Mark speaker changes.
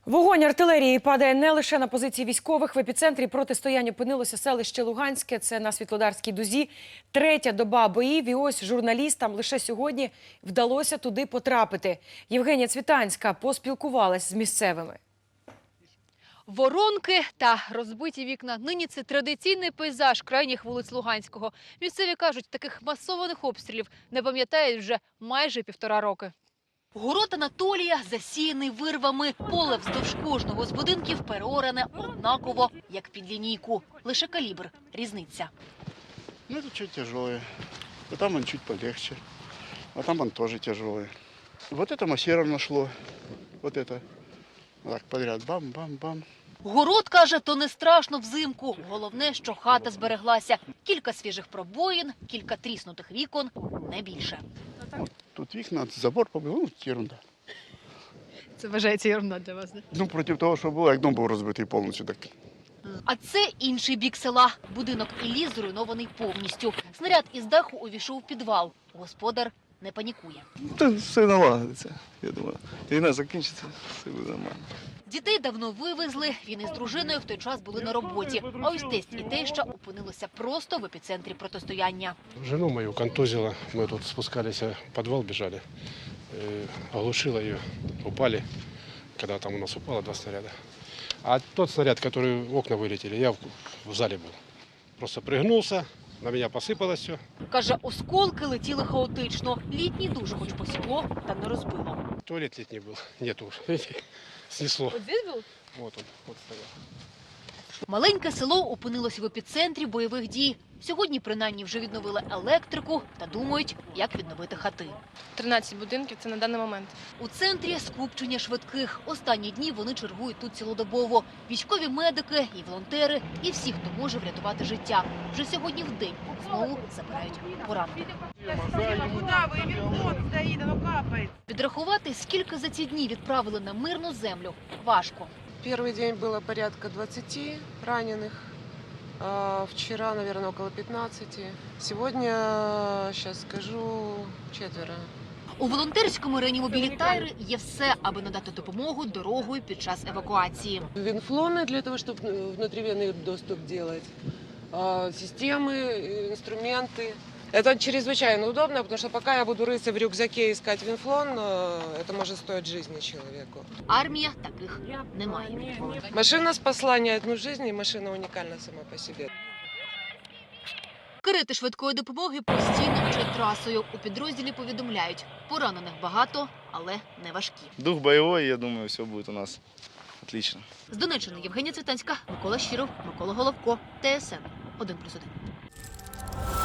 Speaker 1: Вогонь артилерії падає не лише на позиції військових. В епіцентрі протистояння опинилося селище Луганське, це на Світлодарській дузі. Третя доба боїв, і ось журналістам лише сьогодні вдалося туди потрапити. Євгенія Цвітанська поспілкувалась з місцевими.
Speaker 2: Воронки та розбиті вікна. Нині це традиційний пейзаж крайніх вулиць Луганського. Місцеві кажуть, таких масованих обстрілів не пам'ятають вже майже 1,5 роки. Город Анатолія засіяний вирвами. Поле вздовж кожного з будинків переоране однаково, як під лінійку. Лише калібр – різниця.
Speaker 3: Ну, это чуть тяжелое. А там он чуть полегче. А там он тоже тяжелый. Вот это массировано шло. Вот это. Так, подряд. Бам-бам-бам.
Speaker 2: Город, каже, то не страшно взимку. Головне, що хата збереглася. Кілька свіжих пробоїн, кілька тріснутих вікон, не більше.
Speaker 3: Вот тут вікна, забор побив, ну, ерунда.
Speaker 2: Це вважається ерунда для вас, не?
Speaker 3: Ну, проти того, що було, як дом був розбитий повністю, так.
Speaker 2: А це інший бік села. Будинок Іллі зруйнований повністю. Снаряд із даху увійшов у підвал. Господар не панікує.
Speaker 4: Та все налагодиться, я думаю. Війна закінчиться, все буде нормально.
Speaker 2: Дітей давно вивезли. Він із дружиною в той час були на роботі. А ось тесть і теща опинилися просто в епіцентрі протистояння.
Speaker 5: Жену мою контузило. Мы тут спускались, в подвал бежали. Оглушило ее. Упали, когда там у нас упало 2 снаряда. А тот снаряд, который в окна вылетели, я в зале был. Просто пригнулся, на меня посыпалось все.
Speaker 2: Каже, осколки летіли хаотично. Літній душ хоч посікло, та не розбило.
Speaker 5: Туалет летний был. Нету уже. Снесло.
Speaker 2: От здесь був?
Speaker 5: Вот он, вот стоял.
Speaker 2: Маленьке село опинилося в епіцентрі бойових дій. Сьогодні, принаймні, вже відновили електрику та думають, як відновити хати.
Speaker 6: 13 будинків – це на даний момент.
Speaker 2: У центрі скупчення швидких. Останні дні вони чергують тут цілодобово. Військові медики і волонтери, і всі, хто може врятувати життя. Вже сьогодні в день знову забирають поранених. Підрахувати, скільки за ці дні відправили на мирну землю, важко.
Speaker 7: Первый день было порядка 20 раненых. Вчера, наверное, около 15. Сегодня, сейчас скажу, 4.
Speaker 2: У волонтерському реанімобілі «Тайри» є все, аби надати допомогу дорогою під час евакуації.
Speaker 7: Винфлоны для того, чтобы внутривенный доступ делать. Системы, инструменты. Это чрезвычайно удобно, потому что пока я буду рыться в рюкзаке и искать винфлон, это может стоить жизни человеку.
Speaker 2: Армія таких не має.
Speaker 7: Машина спасла не одну жизнь, и машина уникальна сама по себе.
Speaker 2: Карети швидкої допомоги постійно мчать трасою. У підрозділі повідомляють, поранених багато, але не важкі.
Speaker 4: Дух бойовий, я думаю, все буде у нас отлично.
Speaker 2: З Донеччини Євгенія Цвітанська, Микола Щиров, Микола Головко, ТСН 1+1.